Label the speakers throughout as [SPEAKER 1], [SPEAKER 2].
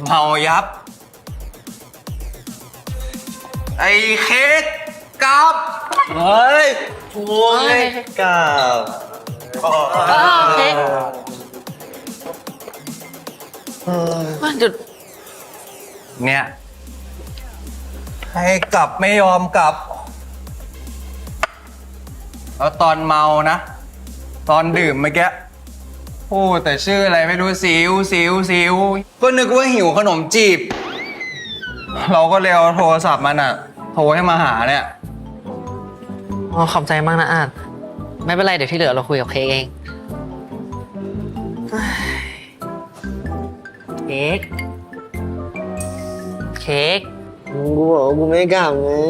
[SPEAKER 1] เห่ายับ ไอ้เค้กกับ
[SPEAKER 2] เฮ้ยโอ้ยกับ
[SPEAKER 3] โอเคหยุด
[SPEAKER 1] เนี่ยให้กลับไม่ยอมกลับ แล้วตอนเมานะ ตอนดื่มเมื่อกี้พูดแต่ชื่ออะไรไม่รู้สิวก็นึกว่าหิวขนมจีบ เราก็เลยเอาโทรศัพท์มันอะโทรให้มาหาเนี่ย
[SPEAKER 3] อ๋อขอบใจมากนะอาจไม่เป็นไรเดี๋ยวที่เหลือเราคุยกับเค้กเองเค้ก
[SPEAKER 2] กูบอกว่ากูไม่กลับไง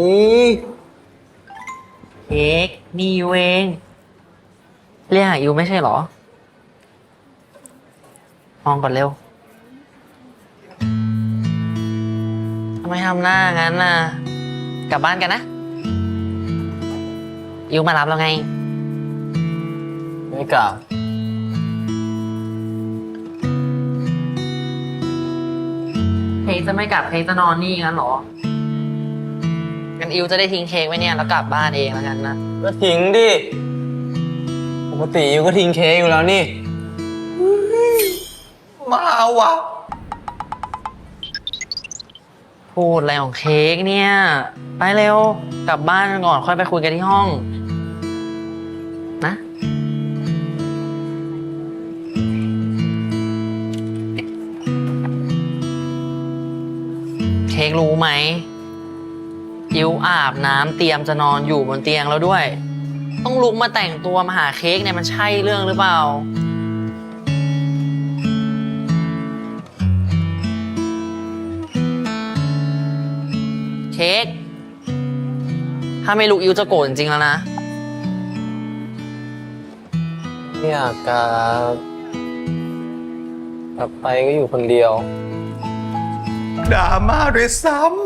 [SPEAKER 3] เค้กนี่ยูเองเรียกหายูไม่ใช่เหรอมองก่อนเร็วทำไมทำหน้างั้นน่ะกลับบ้านกันนะยูมารับเราไง
[SPEAKER 2] ไม่กลับ
[SPEAKER 3] เค้กจะไม่กลับเค้กจะนอนนี่งั้นเหรองั้นอิวจะได้ทิ้งเค้กไว้เนี่ยแล้วกลับบ้านเองแล้วกันนะ
[SPEAKER 2] ก็ทิ้งดิปกติอยู่ก็ทิ้งเค้กอยู่แล้วนี่
[SPEAKER 1] มาวะ
[SPEAKER 3] พูดอะไรของเค้กเนี่ย ไปเร็วกลับบ้านก่อนค่อยไปคุยกันที่ห้องนะเค้กรู้ไหมอิวอาบน้ำเตรียมจะนอนอยู่บนเตียงแล้วด้วย ต้องลุกมาแต่งตัวมาหาเค้กเนี่ยมันใช่เรื่องหรือเปล่าเค้กถ้าไม่ลุกอิวจะโกรธจริงๆแล้วนะ
[SPEAKER 2] ไม่อยากกลับไปก็อยู่คนเดียว
[SPEAKER 1] ด่ามาด้วยซ้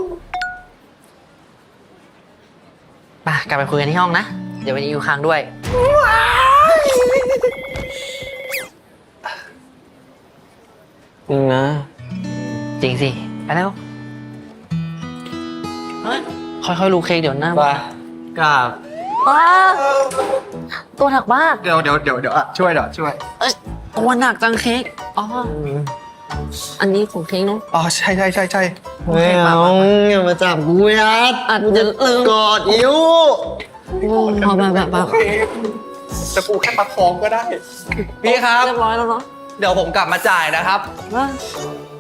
[SPEAKER 3] ไปกลับไปคุยกันที่ห้องนะ เดี๋ยววันนี้อยู่ค้างด้วย
[SPEAKER 2] จริงนะ
[SPEAKER 3] จริงสิ ไปแล้วเฮ้ยค่อยๆลูกเค้กเดี๋ยวหน้า
[SPEAKER 2] ไปกลับ
[SPEAKER 3] อ้าตัวหนักมาก
[SPEAKER 1] ำเดี๋ยวอะช่วย
[SPEAKER 3] เอ้ยตัวหนักจังเค้กอ๋ออันนี้ของเค้กเนาะ
[SPEAKER 1] อ๋อใช่
[SPEAKER 2] ไม่เอาอย่ามาจับกูยัด
[SPEAKER 3] อาจจะลืม
[SPEAKER 2] กอดอิ้ว
[SPEAKER 3] พอแบบ
[SPEAKER 1] แต่ปูแค่ประคองก็ได้ พี่ครับ
[SPEAKER 3] เรียบร้อยแล้วเนาะ
[SPEAKER 1] เดี๋ยวผมกลับมาจ่ายนะครับ
[SPEAKER 3] ว่า